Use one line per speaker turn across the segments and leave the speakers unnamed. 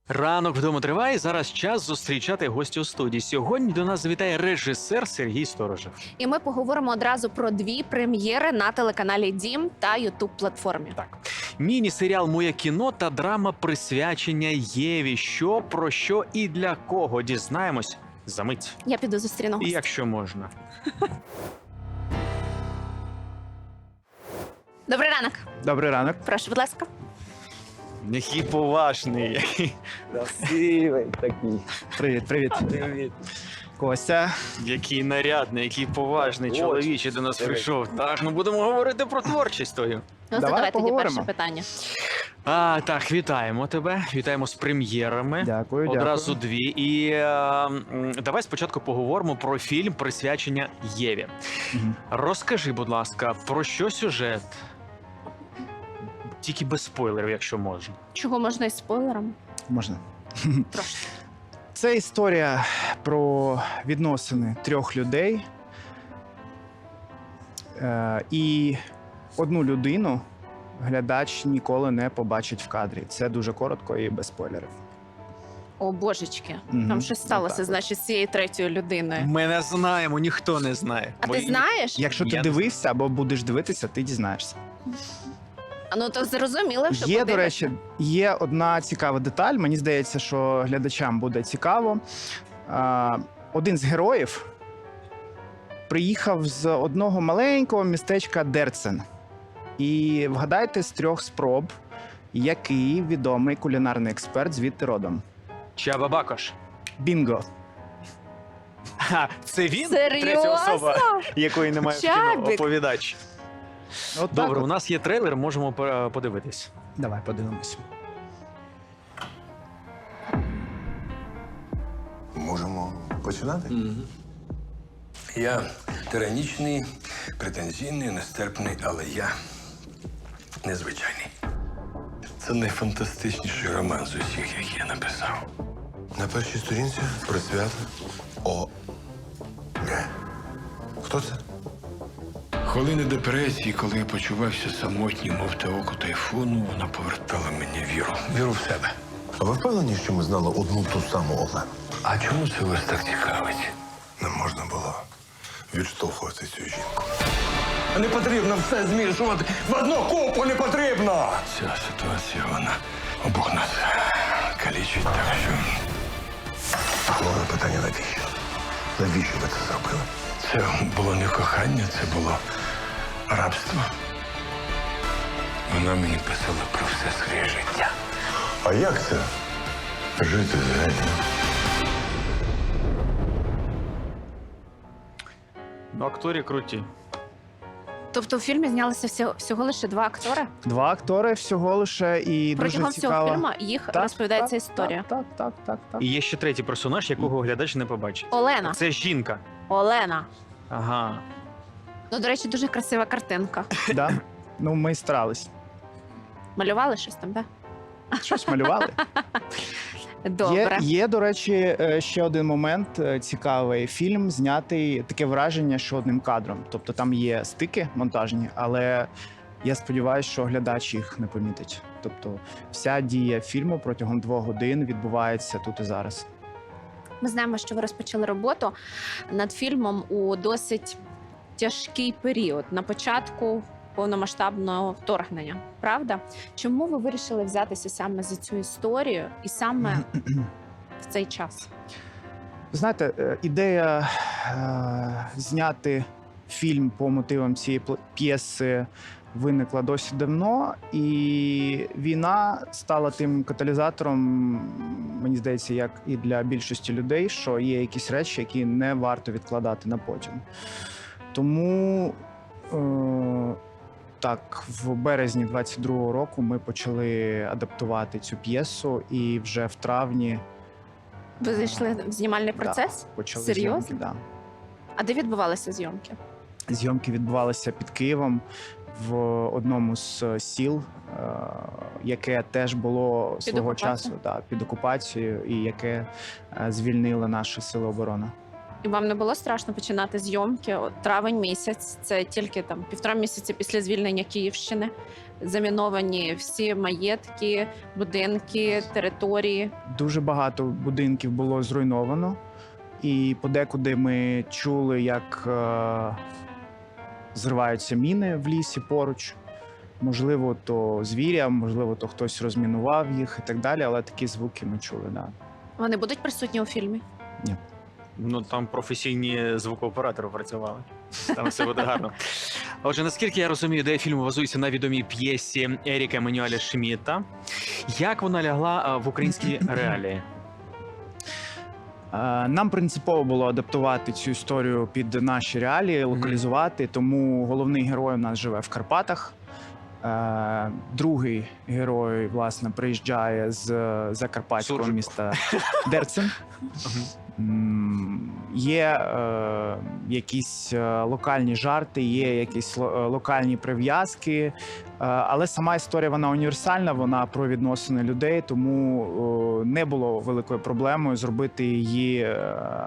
Ранок вдома триває. Зараз час зустрічати гостя у студії. Сьогодні до нас завітає режисер Сергій Сторожев.
І ми поговоримо одразу про дві прем'єри на телеканалі Дім та Ютуб-платформі.
Так, міні-серіал Моє кіно та драма присвячення Єві. Що, про що і для кого дізнаємось за мить.
Я піду зустріну
І
гостя.
якщо можна.
Добрий ранок.
Добрий ранок.
Прошу, будь ласка.
Який поважний, який красивий такий.
Привіт, привіт.
Привіт.
Костя.
Який нарядний, який поважний чоловічий до нас прийшов. Так, ми будемо говорити про творчість твою.
Ну,
Давай
задавай тоді
поговоримо.
перше питання.
Так, вітаємо тебе. Вітаємо з прем'єрами.
Дякую,
Одразу
дякую.
дві. І давай спочатку поговоримо про фільм присвячення Єві.
Мгм.
Розкажи, будь ласка, про що сюжет? Тільки без спойлерів, якщо можна.
Чого можна із спойлером?
Можна.
Прошу.
Це історія про відносини трьох людей. І одну людину глядач ніколи не побачить в кадрі. Це дуже коротко і без спойлерів.
О, божечки.
Мгм.
Там щось сталося,
Отак от.
значить, з цією третьою людиною.
Ми не знаємо, ніхто не знає.
А ти знаєш?
Якщо ти
Я не
дивився або будеш дивитися, ти дізнаєшся.
А ну то зрозуміло, що
Є, до
подивишся.
речі, є одна цікава деталь. Мені здається, що глядачам буде цікаво. Один з героїв приїхав з одного маленького містечка Дерцен. І вгадайте з 3 спроб, який відомий кулінарний експерт звідти родом.
Чаба Бакош.
Бінго!
Це він?
Серйозно?
Третя особа, якої немає в кіно,
Чабік.
оповідач.
От
Добре,
так
у
от.
нас є трейлер, можемо подивитись.
Давай подивимось.
Можемо починати?
Я тиранічний, претензійний, нестерпний, але я незвичайний. Це найфантастичніший роман з усіх, які я написав.
На першій сторінці про свято О. Г. Хто це?
Хвилини депресії, коли я почувався самотнім, мов те око тайфуну, вона повертала мені віру. Віру в себе.
А ви впевнені, що ми знали одну ту саму Олену?
А чому це вас так цікавить?
Не можна було відштовхувати цю жінку.
Не потрібно все змішувати. В одну купу не потрібно. Ця ситуація, вона обох нас калічить, так що
Головне питання навіщо? Навіщо ви це зробили?
це було не кохання, це було рабство. Вона мені писала про все своє життя.
А як це? Жити з генієм?
Ну, актори круті.
Тобто у фільмі знялися всього лише 2 актори?
2 актори всього лише і
Протягом
дуже
всього
цікаво.
фільму їх розповідається історія.
Так.
І є ще третій персонаж, якого глядач не побачить.
Олена.
Це жінка.
Олена.
Ага.
Ну, до речі, дуже красива картинка.
Да? Ну, ми старались.
Малювали щось там, так?
Щось малювали.
Добре.
Є, до речі, ще один момент цікавий. Фільм знятий таке враження, що одним кадром. Тобто там є стики монтажні, але я сподіваюся, що глядач їх не помітить. Тобто вся дія фільму протягом 2 годин відбувається тут і зараз.
Ми знаємо, що ви розпочали роботу над фільмом у досить тяжкий період на початку повномасштабного вторгнення. Правда? Чому ви вирішили взятися саме за цю історію і саме в цей час?
Знаєте, ідея зняти фільм по мотивам цієї п'єси виникла досить давно, і війна стала тим каталізатором, мені здається, як і для більшості людей, що є якісь речі, які не варто відкладати на потім. Тому так, в березні 22-го року ми почали адаптувати цю п'єсу, і вже в травні
Ви зайшли в знімальний процес?
почали
Серйозно?
зйомки. Да.
А де відбувалися зйомки?
Зйомки відбувалися під Києвом в одному з сіл, яке теж було свого
окупацією?
часу під окупацією, і яке звільнили наші сили оборони.
І вам не було страшно починати зйомки? От травень місяць, це тільки там 1,5 місяці після звільнення Київщини. Заміновані всі маєтки, будинки, території.
Дуже багато будинків було зруйновано, і подекуди ми чули, як зриваються міни в лісі поруч. Можливо, то звіря, можливо, то хтось розмінував їх і так далі, але такі звуки ми чули, да.
Вони будуть присутні у фільмі?
Ну там професійні звукооператори працювали. Там все буде гарно. Отже, наскільки я розумію, ідея фільму базується на відомій п'єсі Еріка Еммануеля Шмідта. Як вона лягла в українські реалії?
Нам принципово було адаптувати цю історію під наші реалії, локалізувати, тому головний герой у нас живе в Карпатах. Другий герой, власне, приїжджає з закарпатського
Суржиков.
міста Дерцин. Є якісь локальні жарти, є якісь локальні прив'язки, але сама історія вона універсальна, вона про відносини людей, тому не було великою проблемою зробити її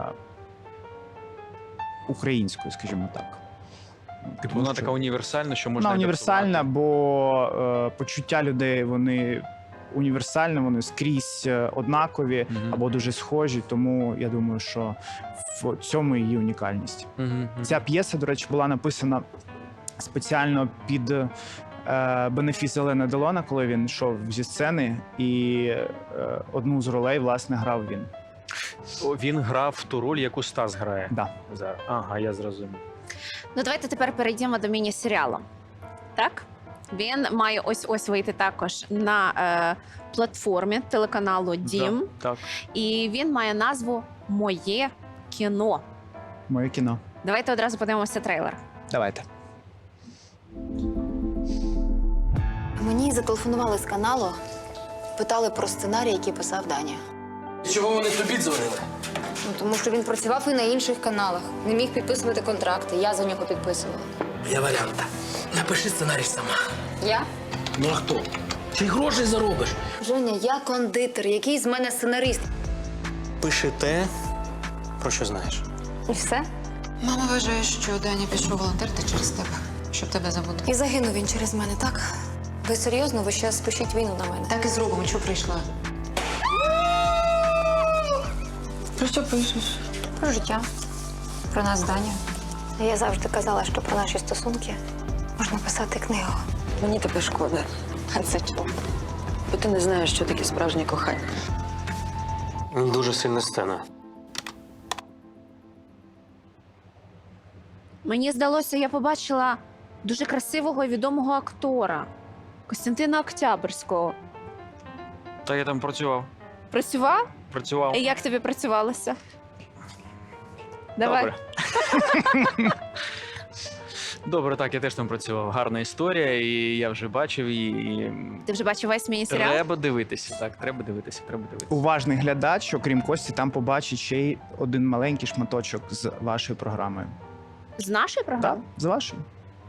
українською, скажімо так.
Типу,
Тому
вона
що
така універсальна, що можна
вона універсальна,
адаптувати.
бо почуття людей вони універсальні, вони скрізь однакові
Мгм.
або дуже схожі. Тому я думаю, що в цьому її унікальність.
Мгм.
Ця п'єса, до речі, була написана спеціально під бенефіс Елена Делона, коли він йшов зі сцени, і одну з ролей, власне, грав він.
Він грав ту роль, яку Стас грає.
Да.
Зараз. Ага, я зрозумів.
Ну, давайте тепер перейдемо до міні-серіалу. Так? Він має ось вийти також на платформі телеканалу Дім.
Да, так.
І він має назву Моє кіно.
Моє кіно.
Давайте одразу подивимося трейлер.
Давайте.
Мені зателефонували з каналу, питали про сценарій, який писав Даня.
Чого вони тобі дзвонили?
Ну, тому що він працював і на інших каналах. Не міг підписувати контракти. Я за нього підписувала.
Я варіанта. Напиши сценарій сама.
Я?
Ну а хто? Чи грошей заробиш?
Женя, я кондитер. Який з мене сценарист?
Пиши те, про що знаєш.
І все?
Мама вважає, що Даня пішов волонтерити через тебе, щоб тебе забути.
І загинув він через мене, так? Ви серйозно? Ви ще спишіть війну на мене?
Так і зробимо, що прийшла. Про що пишеш?
Про життя. Про нас з Даню. Я завжди казала, що про наші стосунки можна писати книгу.
Мені тебе шкода. А це чого? Бо ти не знаєш, що таке справжнє кохання.
Дуже сильна сцена.
Мені здалося, я побачила дуже красивого і відомого актора Костянтина Октябрського.
Та я там працював.
Працював? І як тобі працювалося? Давай.
Добре. Добре, так, я теж там працював. Гарна історія, і я вже бачив її. І...
Ти вже бачив весь міні-серіал?
Треба дивитися, так, треба дивитися.
Уважний глядач, окрім Кості, там побачить ще й один маленький шматочок з вашою програмою.
З нашої програми?
Так, з вашою.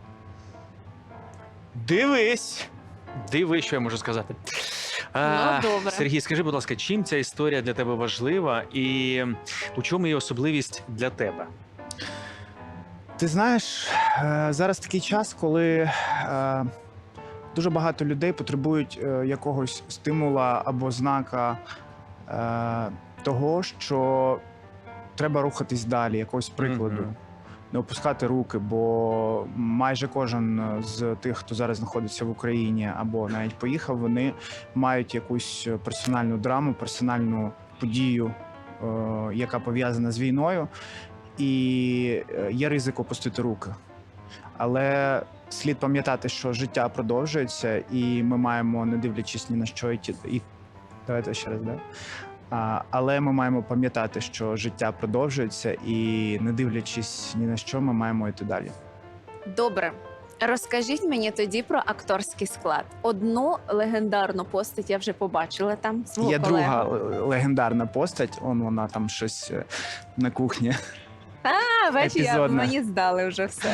Дивись!
Диви, що я можу сказати.
Добре.
Сергій, скажи, будь ласка, чим ця історія для тебе важлива і у чому її особливість для тебе?
Ти знаєш, зараз такий час, коли дуже багато людей потребують якогось стимула або знака того, що треба рухатись далі, якогось прикладу.
Мгм.
Не опускати руки, бо майже кожен з тих, хто зараз знаходиться в Україні або навіть поїхав, вони мають якусь персональну драму, персональну подію, яка пов'язана з війною, і є ризик опустити руки. Але слід пам'ятати, що життя продовжується, і ми маємо, не дивлячись ні на що, давайте ще раз, да? Але ми маємо пам'ятати, що життя продовжується, і не дивлячись ні на що, ми маємо йти далі.
Добре. Розкажіть мені тоді про акторський склад. Одну легендарну постать я вже побачила там, свого
Є
колегу.
друга легендарна постать, вона там щось на кухні. епізодна.
Мені здали вже все.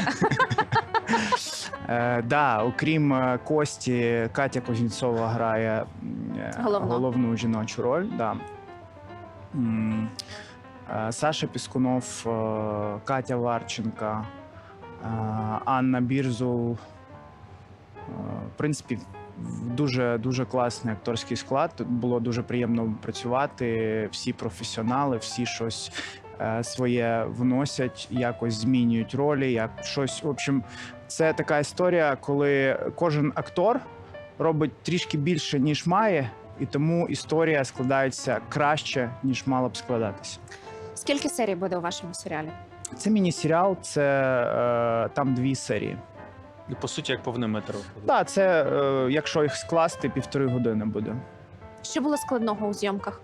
Окрім Кості, Катя Кузнєцова грає
Головну.
головну жіночу роль. Да. Саша Піскунов, Катя Варченка, Анна Бірзул. В принципі, дуже, дуже класний акторський склад. Тут було дуже приємно працювати. Всі професіонали, всі щось своє вносять, якось змінюють ролі, як щось. В общем, це така історія, коли кожен актор робить трішки більше, ніж має, і тому історія складається краще, ніж мала б складатися.
Скільки серій буде у вашому серіалі?
Це міні-серіал, це там 2 серії.
По суті, як повний метр.
Так, це якщо їх скласти, 1,5 години буде.
Що було складного у зйомках?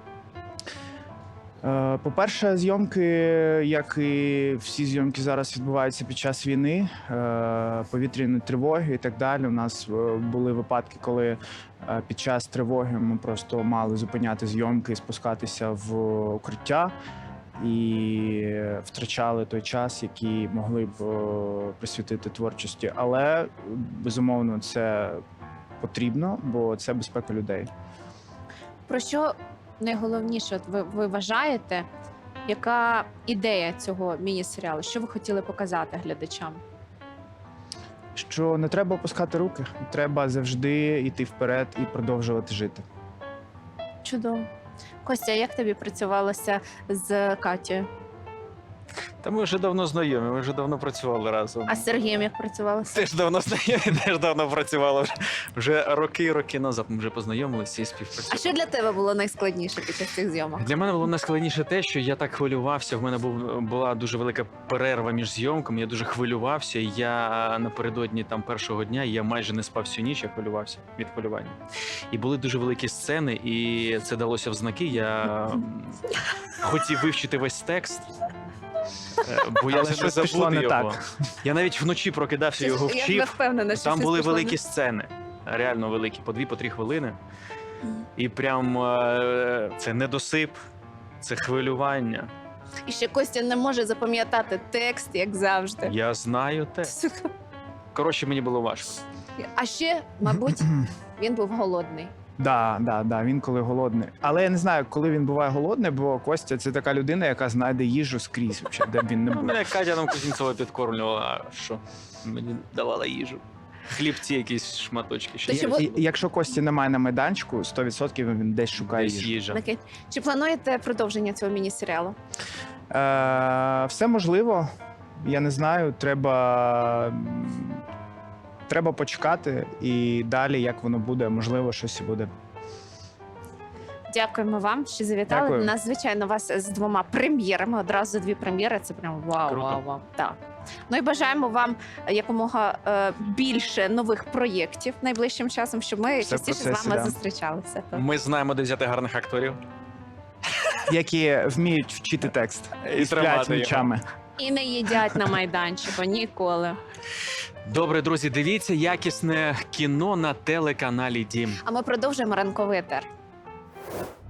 По-перше, зйомки, як і всі зйомки зараз відбуваються під час війни, повітряні тривоги і так далі. У нас були випадки, коли під час тривоги ми просто мали зупиняти зйомки і спускатися в укриття. І втрачали той час, який могли б присвятити творчості. Але, безумовно, це потрібно, бо це безпека людей.
Про що найголовніше от ви вважаєте, яка ідея цього міні-серіалу? Що ви хотіли показати глядачам?
Що не треба опускати руки, треба завжди йти вперед і продовжувати жити.
Чудово. Костя, як тобі працювалося з Катєю?
Та ми вже давно знайомі, ми вже давно працювали разом.
А з Сергієм як працювалося?
Теж давно знайомі, теж давно працювали. Вже роки назад ми вже познайомилися і
А
співпрацювали.
що для тебе було найскладніше під час цих зйомок?
Для мене було найскладніше те, що я так хвилювався. В мене була дуже велика перерва між зйомками. Я дуже хвилювався. І я напередодні там першого дня я майже не спав всю ніч, я хвилювався від хвилювання. І були дуже великі сцени, і це далося в знаки. Я хотів вивчити весь текст. Бо я
Але
вже не
щось пішло
забуду
не
його.
так.
Я навіть вночі прокидався, його
Я
вчив.
впевнена, що
Там
щось
були
пішло не
великі сцени, реально великі, по 2-3 хвилини. І прям це недосип, це хвилювання.
І ще Костя не може запам'ятати текст, як завжди.
Я знаю те.
Сука.
Коротше, мені було важко.
А ще, мабуть, він був голодний.
Да, він коли голодний. Але я не знаю, коли він буває голодний, бо Костя це така людина, яка знайде їжу скрізь, взагалі, де б він не був.
Мене Катя нам Кузнєцова підкормлювала, а що? Мені давала їжу. Хлібці, якісь шматочки. Ще
Та чому-
Якщо Кості немає на майданчику, 100% він десь шукає
десь
їжу.
їжа.
Окей. Чи плануєте продовження цього міні-серіалу?
Все можливо. Я не знаю, треба почекати і далі, як воно буде, можливо, щось і буде.
Дякуємо вам, що завітали.
Дякую.
У нас, звичайно, вас з 2 прем'єрами. Одразу 2 прем'єри. Це прям вау,
Круто.
вау, вау. Так. Ну і бажаємо вам якомога більше нових проєктів найближчим часом, щоб ми
Все в
частіше з
процесі,
вами
да.
зустрічалися.
Ми знаємо, де взяти гарних акторів.
Які вміють вчити текст
І
і сплять
тримати його.
ночами.
І не їдять на майданчику ніколи.
Добре, друзі, дивіться якісне кіно на телеканалі Дім.
А ми продовжуємо ранковий етер.